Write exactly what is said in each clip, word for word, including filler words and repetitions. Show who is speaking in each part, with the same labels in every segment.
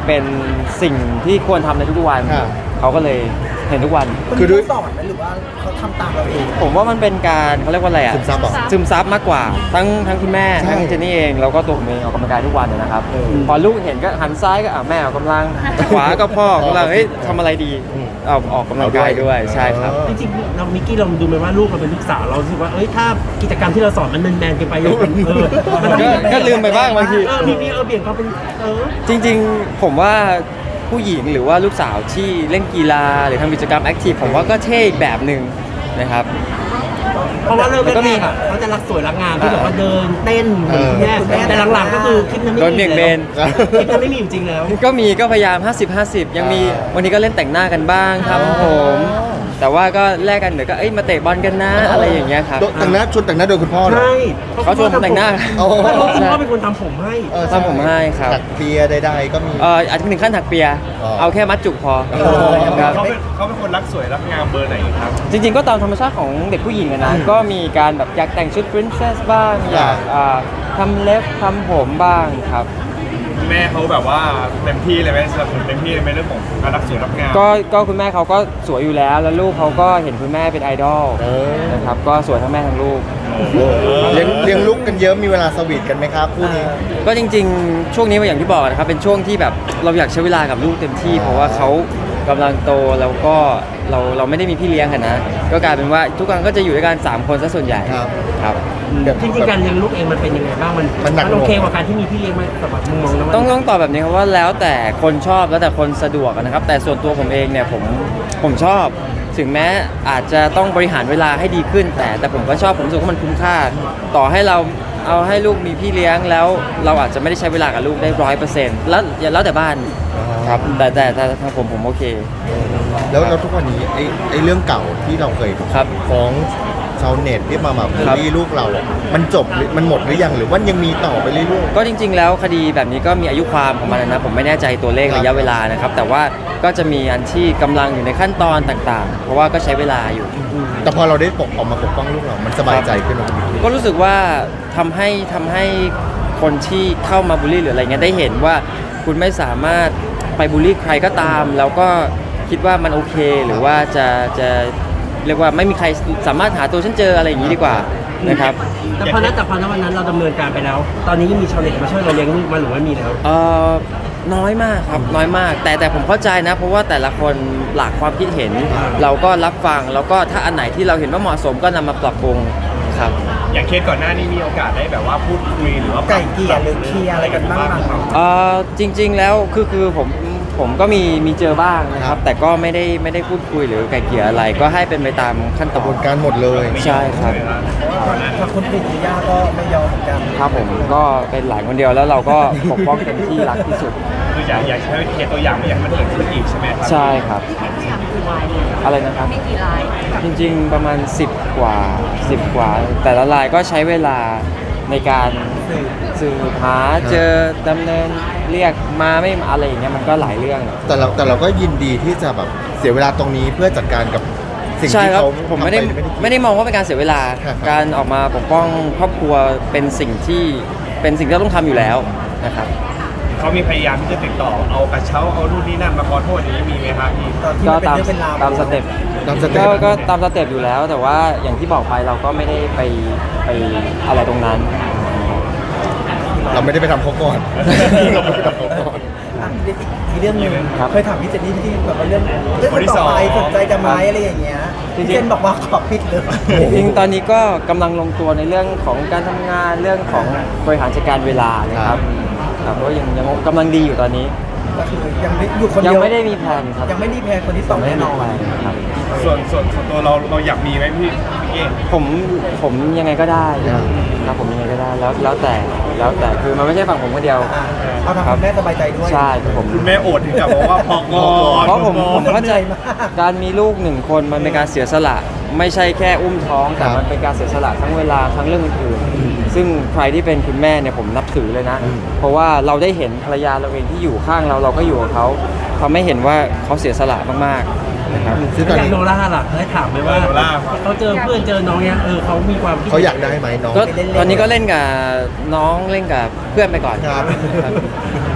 Speaker 1: เป็นสิ่งที่ควรทำในทุกๆวันเขาก็เลยเห็นทุกวัน
Speaker 2: คือด้วยสอนไหมหรือว่าเขาทำตามเราเอง
Speaker 1: ผมว่ามันเป็นการเขาเรียกว่าอะไรอ่ะ
Speaker 2: ซึมซับ
Speaker 1: ซึมซับมากกว่าทั้งทั้งคุณแม่ทั้งเจนนี่เองแล้วก็ตัวผมเองออกกำลังกายทุกวันนะครับพอลูกเห็นก็หันซ้ายก็อ่ะแม่ออกกำลังขวาก็พ่อกำลังเฮ้ยทำอะไรดีเอาออกกำลังกายด้วยใช่ครับ
Speaker 3: จริงๆเรามิกกี้ลองดูไหมว่าลูกเราเป็นลูกสาวเราคิดว่าเอ้ยถ้ากิจกรรมที่เราสอนมันแมนๆกันไปเออ
Speaker 1: ก็ลืมไปบ้างบางที
Speaker 3: เออมีมีเออเบี่ยงเขาเป็นเออ
Speaker 1: จริงๆผมว่าผู้หญิงหรือว่าลูกสาวที่เล่นกีฬาหรือทำกิจกรรมแอคทีฟผมว่าก็เท่อีกแบบหนึ่งนะครับ
Speaker 3: เพราะว่าเริ่มแรกๆเขาจะรักสวยรักงามที่แบบว่าเดินเต้นเหมือนคุณแม่แต่หลังๆก็คือคลิปนั้นไม่มีแล้วคลิปนั้นไม่มีอยู่จริงแล้ว
Speaker 1: ก็มีก็พยายามห้าสิบ ห้าสิบยังมีวันนี้ก็เล่นแต่งหน้ากันบ้างครับผมแต่ว่าก็แลกกันเดี๋ยวก็เอ้ยมาเตะบอลกันนะอะไรอย่างเงี้ยครับ
Speaker 2: แต่งหน้าชวนแต่งหน้าโดยคุณพ่อ
Speaker 3: ใช่
Speaker 1: เขาชวนแต่งหน้า
Speaker 3: คุณพ่อเป็นคนทำผมให้
Speaker 1: ทำผมให้ครับ
Speaker 2: ถักเปียใดๆก็มี
Speaker 1: เอออาจจะถึงขั้นถักเปียเอาแค่มัดจุกพอ
Speaker 4: ครับเขาเป็นเขาเป็นคนรักสวยรักงามเบอร์ไหนครับ
Speaker 1: จริงๆก็ตามธรรมชาติของเด็กผู้หญิงนะก็มีการแบบอยากแต่งชุด princess บ้างอยากทำเล็บทำผมบ้างครับ
Speaker 4: แม่เขาแบบว่าเต็มที่เลยไหมสนับสนุนเต็มที่เลยไหมเรื่องของการรักสวยรักงาม
Speaker 1: ก็ก็คุณแม่เขาก็สวยอยู่แล้วแล้วลูกเขาก็เห็นคุณแม่เป็นไอดอลนะครับก็สวยทั้งแม่ทั้งลูก
Speaker 2: เลี้ยงเลี้ยงลูกกันเยอะมีเวลาสวีทกันไหมครับคู่นี้
Speaker 1: ก็จริงๆช่วงนี้อย่างที่บอกนะครับเป็นช่วงที่แบบเราอยากใช้เวลากับลูกเต็มที่เพราะว่าเขากำลังโตแล้วก็เราเราไม่ได้มีพี่เลี้ยงกันนะก็กลายเป็นว่าทุกครั้งก็จะอยู่ด้วยกันสามคนซะส่วนใหญ่ครับ
Speaker 3: จริงๆการเลี้ยงลูกเองมันเป็นยังไงบ้างมันมันโอเคกว่าการที่มีพี่เลี้ยงไหมสำหรับมุมมองน้อง
Speaker 1: ต้องต้องตอบแบบนี้ครับว่าแล้วแต่คนชอบแล้วแต่คนสะดวกนะครับแต่ส่วนตัวผมเองเนี่ยผมผมชอบถึงแม้อาจจะต้องบริหารเวลาให้ดีขึ้นแต่แต่ผมก็ชอบผมรู้สึกว่ามันคุ้มค่าต่อให้เราเอาให้ลูกมีพี่เลี้ยงแล้วเราอาจจะไม่ได้ใช้เวลากับลูกได้ร้อยเปอร์เซ็นต์แล้วแล้วแต่บ้านครับแต่แต่แต่ทางผมผมโอเค
Speaker 2: แล้วแล้วทุกวันนี้ไอ้ไอ้เรื่องเก่าที่เราเคยฟ้องชาวเน็ตที่มาแบบบูลลี่ลูกเรามันจบมันหมดหรือยังหรือว่ายังมีต่อไปเรื่อย
Speaker 1: ๆก็จริงๆแล้วคดีแบบนี้ก็มีอายุความของมันนะผมไม่แน่ใจตัวเลขระยะเวลานะครับแต่ว่าก็จะมีอันที่กำลังอยู่ในขั้นตอนต่างๆเพราะว่าก็ใช้เวลาอยู่
Speaker 2: แต่พอเราได้ปกออกมาปกป้องลูกเรามันสบายใจขึ้นไหม
Speaker 1: ก็รู้สึกว่าทำให้ทำให้คนที่เข้ามาบูลลี่หรืออะไรเงี้ยได้เห็นว่าคุณไม่สามารถไปบูลลี่ใครก็ตามแล้วก็คิดว่ามันโอเคหรือว่าจะจะเรียกว่าไม่มีใครสามารถหาตัวฉันเจออะไรอย่างนี้ดีกว่านะครับ
Speaker 3: แต่พอนั้นแต่พอนั้นวันนั้นเราดำเนินการไปแล้วตอนนี้ยังมีชาวเน็ตมาช่วยเราเลี้ยงลูกมาหรือว่ามีแล้ว
Speaker 1: เออน้อยมากครับน้อยมากแต่แต่ผมเข้าใจนะเพราะว่าแต่ละคนหลากความคิดเห็นเราก็รับฟังแล้วก็ถ้าอันไหนที่เราเห็นว่าเหมาะสมก็นำมาปรับปรุงครับ
Speaker 4: อย่างเคสก่อนหน้านี้มีโอกาสได้แบบว่าพูดคุยหรือว่า
Speaker 2: ไก่เกลี่ยหรือเคลียร์อะไรกันบ้างครับ
Speaker 1: เออจริงๆแล้วคือคือผมผมก็มีมีเจอบ้างนะครับแต่ก็ไม่ได้ไม่ได้พูดคุยหรือไกลเกลี่ยอะไรก็ให้เป็นไปตามขั้นตอน
Speaker 2: กระบวนการหมดเลย
Speaker 1: ใช่ครับ
Speaker 2: ถ้าคนผิดย่าก็ไม่ยอมเหมือนกัน
Speaker 1: ครับผมก็เป็นหลานคนเดียวแล้วเราก็ปกป้องเต็มที่รักที่สุด
Speaker 4: คืออยากอยากใช้เคสตัวอย่างไม่อยากมันเกิดขึ้นอีกใช่ไหมครับ
Speaker 1: ใช่ครับอะไรนะครับจริงๆประมาณสิบกว่าสิบกว่าแต่ละรายก็ใช้เวลาในการสืบหาเจอดำเนินเรียกมาไม่อะไรอย่างเงี้ยมันก็หลายเรื่อง
Speaker 2: แต่เราแต่เราก็ยินดีที่จะแบบเสียเวลาตรงนี้เพื่อจัดการกับสิ่งที่เขา
Speaker 1: ผมไม่ได้ไม่ได้มองว่าเป็นการเสียเวลาการออกมาปกป้องครอบครัวเป็นสิ่งที่เป็นสิ่งที่เราต้องทำอยู่แล้วนะครับ
Speaker 4: เขามีพยายามที่จะติดต่อเอากระเช้าเอารุ่นนี้นั่นมาขอโทษอย่างนี้มีไหมครับพี่
Speaker 1: ก็ตามตามสเต็ปก็ก็ตามสเต็ปอยู่แล้วแต่ว่าอย่างที่บอกไปเราก็ไม่ได้ไปไปอะไรตรงนั้น
Speaker 2: เราไม่ได้ไปทำเขาก่อนเราไม่ได้ทำเขาก่อน
Speaker 5: อีกเรื่องนึงเคยถามพี่เจนนี่ที่แบบว่าเรื่องเรื่องต่อไปสนใจจะไหมอะไรอย่างเงี้ยพี่เจนบอกว่าขอปิดเลย
Speaker 1: จริงๆตอนนี้ก็กำลังลงตัวในเรื่องของการทำงานเรื่องของบริหารจัดการเวลานะครับครับก็ยังยังกำลังดีอยู่ตอนนี้
Speaker 5: ก็คือยังไม่อยู่คนเดียว
Speaker 1: ยังไม่ได้มีแผนครับ
Speaker 5: ยังไม่มีแผนคนที่สองแน่นอน
Speaker 1: ครับ
Speaker 4: ส่วนส่วนส่วนตัวเราเราอยากมีไหมพี่พี่
Speaker 1: ผมผมยังไงก็ได้ครับผมยังไงก็ได้แล้วแล้วแต่แล้วแต่คือมันไม่ใช่ฝั่งผมคนเดียว
Speaker 5: เอาทำคุณแม่สบายใจด้วย
Speaker 1: ใช่ครับผม
Speaker 4: คุณแม่โอดถึงกับบอกว่าพอก่อน
Speaker 1: เพราะผมผมเข้าใจการมีลูกหนึ่งคนมันเป็นการเสียสละไม่ใช่แค่อุ้มท้องแต่มันเป็นการเสียสละทั้งเวลาทั้งเรื่องอื่นๆซึ่งใครที่เป็นคุณแม่เนี่ยผมนับถือเลยนะเพราะว่าเราได้เห็นภรรยาเราเองที่อยู่ข้างเราเราก็อยู่กับเขาทำให้เห็นว่าเขาเสียสละมากๆนะครับ
Speaker 3: ซึ่งตอนนี้โนล่าล่ะได้ถามไหมว่าเขาเจอเพื่อนเจอน้องเนี้ยเออเขามีความ
Speaker 2: เขาอยากได้ไหมน้อง
Speaker 1: ก็ตอนนี้ก็เล่นกับน้องเล่นกับเพื่อนไปก่อน
Speaker 2: ครับ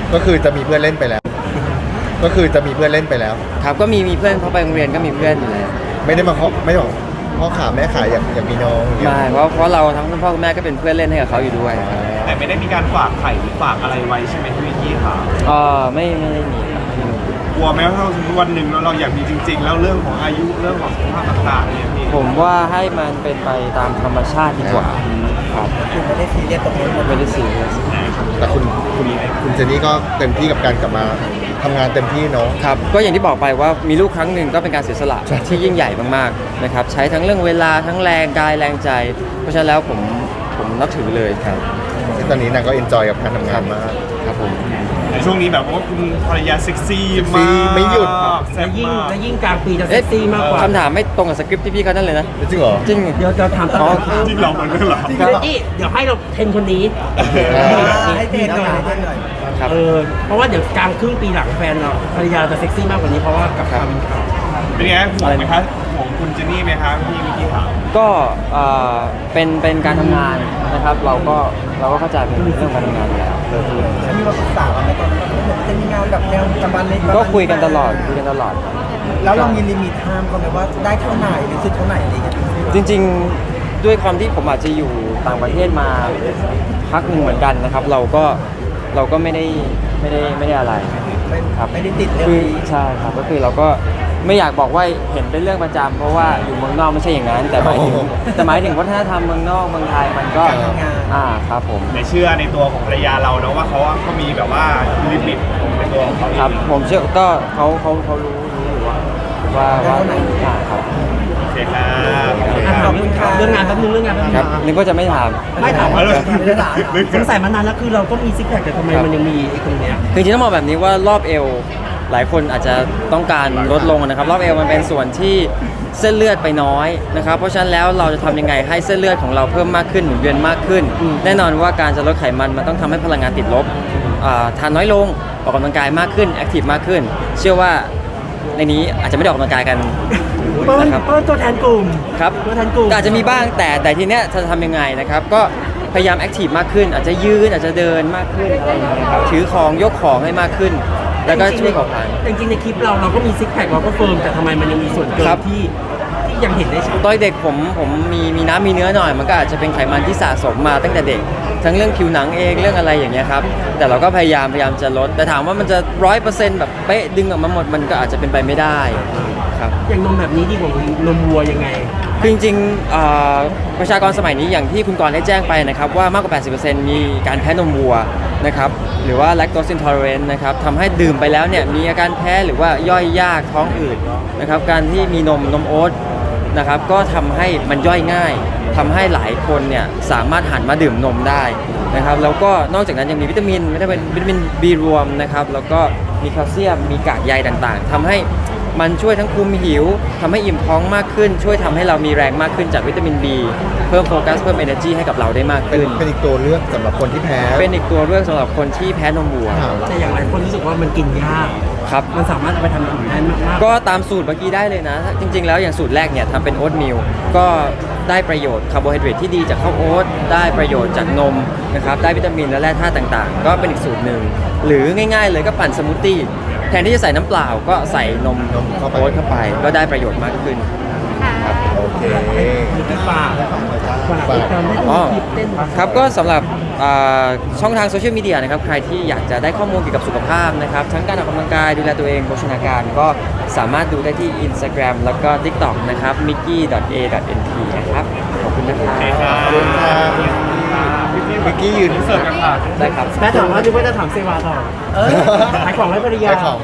Speaker 2: ก็คือจะมีเพื่อนเล่นไปแล้ว ก็คือจะมีเพื่อนเล่นไปแล้ว
Speaker 1: ครับก็มีมีเพื่อนเขาไปโรงเรียนก็มีเพื่อนอยู่แล้ว
Speaker 2: ไม่ได้มาเคาะไม่ได้บอกพ่อขาแม่ขาอยากอยากมีน้องอย่างเงี้ย
Speaker 1: ไม่เพราะเพราะเราทั้งคุณพ่อคุณแม่ก็เป็นเพื่อนเล่นให้กับเขาอยู่ด้วยครับ
Speaker 4: แต่ไม่ได้มีการฝากไข่หรือฝากอะไรไว้ใช่ไหมพี่วิกกี้ค่ะ
Speaker 1: เออไม่ไม่ได้มีครับไม่มี
Speaker 4: กลัวไหมว่าถ้าสมมติวันหนึ่งแล้วเราอยากมีจริง ๆ แล้วเรื่องของอายุเรื่องของสุขภาพต่างๆเนี่ยพี่
Speaker 1: ผมว่าให้มันเป็นไปตามธรรมชาติดีกว่าครับ
Speaker 5: คือไม่ได้ซีเรียสตรงนี้น
Speaker 1: ไม่ได้ซีเรียส
Speaker 2: แต่คุณคุณคุณเจนนี่ก็เต็มที่กับการกลับมาทำงานเต็มที่เนาะ
Speaker 1: ครับก็อย่างที่บอกไปว่ามีลูกครั้งหนึ่งก็เป็นการเสียสละที่ยิ่งใหญ่มากๆนะครับใช้ทั้งเรื่องเวลาทั้งแรงกายแรงใจ เพราะฉะนั้นแล้วผมผมนับถือเลยครับ
Speaker 2: ตอนนี้นางก็เอนจอยกับการทำงานมาก
Speaker 1: ครับผม
Speaker 4: ในช่วงนี้แบบว่าคุณภรรยาเซ็กซี่
Speaker 2: เซ็กซี่
Speaker 4: มาก
Speaker 2: ไม่หยุด
Speaker 4: แซ่
Speaker 3: และ
Speaker 4: บ
Speaker 3: ยิ่ง
Speaker 4: มาก
Speaker 3: และยิ่งกลางปีจะเซ็กซี่มากกว่า
Speaker 1: คำถามไม่ตรงกับสคริปต์ที่พี่เขานั่นเลยนะ
Speaker 2: จริงเหรอ
Speaker 1: จริง
Speaker 3: เดี๋ยวเราถามต่อ
Speaker 4: จริงเหราเหมือนกันเหรอ
Speaker 3: เดี๋ยวนี่เดี๋ยวให้เราเทรนคนนี้
Speaker 2: อ่า
Speaker 5: ให้เต้นหน่อยให้เต้นหน่อย
Speaker 1: ครับ
Speaker 3: เออเพราะว่าเดี๋ยวกลางครึ่งปีหลังแฟนเราภรรยาเราจะเซ็กซี่มากกว่านี้เพราะว่ากับความเป็นข่าว
Speaker 4: เป็นไงห่วงไหมคะห่วงคุณเจนนี่ไหมคะพี่วิกกี้ค่ะ
Speaker 1: ก็เอ่อเป็นเป็นการทำงานนะครับ เราก็เราก็เข้าใจเป็นเรื่องการทำงานอยู่แล้ว
Speaker 5: แล้วมีมาปรึกษากันไหมตอนนั้นว่าจะมีงานแบบแนวประมาณนี้
Speaker 1: ก็คุยกันตลอดคุยกันตลอดครับ
Speaker 5: แล้วเรามีลิมิตห้ามเขาไหมว่าได้เท่าไหร่หรือสุดเท่าไหร่อะไรอย่างเงี้ย
Speaker 1: จริงๆด้วยความที่ผมอาจจะอยู่ต่างประเทศมาพักหนึ่งเหมือนกันนะครับ เราก็เราก็ไม่ได้ไม่ได้ไม่ได้อะไร
Speaker 5: ไม่
Speaker 1: ครับ
Speaker 5: ไม่ได้ติดเรื่อง
Speaker 1: คือ
Speaker 5: นี้
Speaker 1: ใช่ครับก็คือเราก็ไม่อยากบอกว่าเห็นเป็นเรื่องประจำเพราะว่าอยู่เมืองนอกไม่ใช่อย่างนั้น แต่หมายถึง
Speaker 2: โอ้โห
Speaker 1: แต่หมายถึงวัฒนธรรมเมืองนอกเมืองไทยมันก็
Speaker 5: การทำงาน
Speaker 1: อ่าครับผม
Speaker 4: ในเชื่อในตัวของภรรยาเราเนาะว่าเขาก็มีแบบว่าลิมิตในตัวของเขาเอง
Speaker 1: ครับผมเชื่อก็เขาเขาเขารู้รู้อยู่ว่าว่าว่าอ่าครับ
Speaker 4: โอเคครับ
Speaker 3: อ่ะขอบคุณค่ะเรื่องงานแป๊บนึงเรื่องงานแป๊บนึง
Speaker 1: ครับนึกว่าจะไม่ถาม
Speaker 3: ไม่ถามว่า
Speaker 4: เออ
Speaker 5: ไม่ได้ถาม
Speaker 3: สงสัยมานานแล้วคือเราก็มีซิกแพคแต่ทำไมมันยังมีไอ้ตรงเนี้ย
Speaker 1: คือจริงๆต้องบอกแบบนี้ว่ารอบเอวหลายคนอาจจะต้องการลดลงนะครับ รอบเอวมันเป็นส่วนที่เส้นเลือดไปน้อยนะครับ เพราะฉะนั้นแล้วเราจะทำยังไงให้เส้นเลือดของเราเพิ่มมากขึ้นหมุนเวียนมากขึ้น แน่นอนว่าการจะลดไขมันมันต้องทำให้พลังงานติดลบอ่าทานน้อยลงออกกำลังกายมากขึ้นแอคทีฟมากขึ้น เชื่อว่าในนี้อาจจะไม่ได้ออกกำลังกายกัน
Speaker 3: เปิ้ล
Speaker 1: นะครับ
Speaker 3: เปิ้ลตัวแทนกลุ่ม
Speaker 1: ครับ
Speaker 3: ตัวแทนกลุ่ม
Speaker 1: ก็อาจจะมีบ้างแต่แต่ทีเนี้ยจะทำยังไงนะครับก็พยายามแอคทีฟมากขึ้น อาจจะยืนอาจจะเดินมากขึ้นอะไรอย่างเงี้ยครับถือของยกของให้มากขึ้น แล้วก็ช่วยเผาผลาญ
Speaker 3: จริงๆในคลิปเราเราก็มีซิกแพคเราก็เฟิร์มแต่ทำไมมันยังมีส่วนเกิน
Speaker 1: ครับ
Speaker 3: ที่ที่ยังเห็นได้ชัด
Speaker 1: ตอนเด็กผมผมมีมีน้ำมีเนื้อหน่อย มันก็อาจจะเป็นไขมันที่สะสมมาตั้งแต่เด็ก ทั้งเรื่องผิวหนังเองเรื่องอะไรอย่างเงี้ยครับแต่เราก็พยายามพยายามจะลดแต่ถามว่ามันจะร้อยเปอร์เซ็นต์แบบเป๊ะดึงออกมาหมดมันก็อาจจะเป็นไปไม่ได้ครับ
Speaker 3: อย่างนมแบบนี้ดีกว่านมวัวยังไง
Speaker 1: คือจริงๆอ่าประชากรสมัยนี้อย่างที่คุณกรณ์ได้แจ้งไปนะครับว่ามากกว่า แปดสิบเปอร์เซ็นต์ มีการแพ้นมวัวนะครับหรือว่า lactose intolerant นะครับทำให้ดื่มไปแล้วเนี่ยมีอาการแพ้หรือว่าย่อยยากท้องอืดนะครับการที่มีนมนมโอ๊ตนะครับก็ทำให้มันย่อยง่ายทำให้หลายคนเนี่ยสามารถหันมาดื่มนมได้นะครับแล้วก็นอกจากนั้นยังมีวิตามินไม่ได้เป็นวิตามิน B รวมนะครับแล้วก็มีแคลเซียมมีกากใยต่างๆทำให้มันช่วยทั้งคุมหิวทำให้อิ่มท้องมากขึ้น ช่วยทำให้เรามีแรงมากขึ้นจากวิตามิน B เพิ่มโฟกัสเพิ่ม energy ให้กับเราได้มาก
Speaker 2: เป็น
Speaker 1: ขึ้น
Speaker 2: เป็นอีกตัวเลือกสำหรับคนที่แพ้
Speaker 1: เป็นอีกตัวเลือกสำหรับคนที่แพ้นมวัว
Speaker 2: ค่ะ
Speaker 3: แต่อย่างไรคนรู้สึกว่ามันกินยาก
Speaker 1: ครับ
Speaker 3: มันสามารถเอาไปทำอย่างอื่นได้มากๆ
Speaker 1: ก็ตามสูตรเมื่อกี้ได้เลยนะ จริง ๆ แล้วอย่างสูตรแรกเนี่ยทำเป็นโอ๊ตมิลก็ได้ประโยชน์คาร์โบไฮเดรตที่ดีจากข้าวโอ๊ตได้ประโยชน์จากนมนะครับได้วิตามินและแร่ธาตุต่างๆ ก็เป็นอีกสูตรหนึ่งหรือง่ายๆเลยก็ปั่นสมูทตี้แทนที่จะใส่น้ำเปล่าก็ใส่นม
Speaker 2: นมเข้าไป
Speaker 1: โอ๊ตเข้าไป ก็ได้ประโยชน์มากขึ้น
Speaker 2: โอเค
Speaker 3: มีที่ฝากฝาก
Speaker 2: ฝาก
Speaker 3: ติดตามได้ดู
Speaker 1: อ๋อ
Speaker 3: คลิปเต้น
Speaker 1: ครับก็สำหรับอ่าช่องทางโซเชียลมีเดียนะครับใครที่อยากจะได้ข้อมูลเกี่ยวกับสุขภาพนะครับทั้งการออกกำลังกายดูแลตัวเองโภชนาการก็สามารถดูได้ที่ Instagram แล้วก็ TikTok นะครับ mickey ดอท เอ ดอท เอ็น พี นะครับขอบคุณนะครับ
Speaker 4: ขอบคุณครับพี่กี้ยืนเสิร์ฟกันค่ะ
Speaker 1: ได้ครับ
Speaker 3: แม่ถามว่าดูว่าจะถามเซวาต่อเออขายของให้ภรรยา
Speaker 2: ขายของ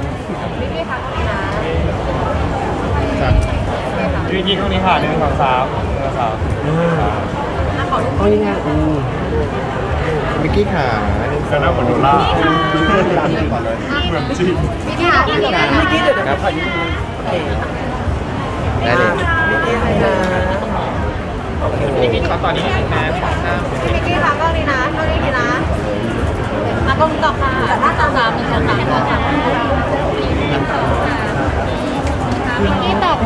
Speaker 4: พี่กี้ข้างนี้ค่ะหนึ่งสองสามหนึ่งสองสาม
Speaker 3: เอายังไงอืม
Speaker 2: มิกกี้ขาหนึ่ง
Speaker 4: ก็น่าเหมือนโดล่าเหมือนจริง
Speaker 5: เมื่อกี้เดี๋ยวเดี๋ยว
Speaker 1: ครับ
Speaker 5: ขอยืมโอเค
Speaker 1: ได้เลย
Speaker 5: เมื่อกี้ให้นะโอเค
Speaker 4: พี่กี้ตอนนี้นะ
Speaker 6: พี่มิกกี้ค่ะกล้องนี้นะกล้องนี้ดีนะมากล้องต่อค่ะหน้าตาสามหนึ่งสองสามสองสามมิกกี้ตอบ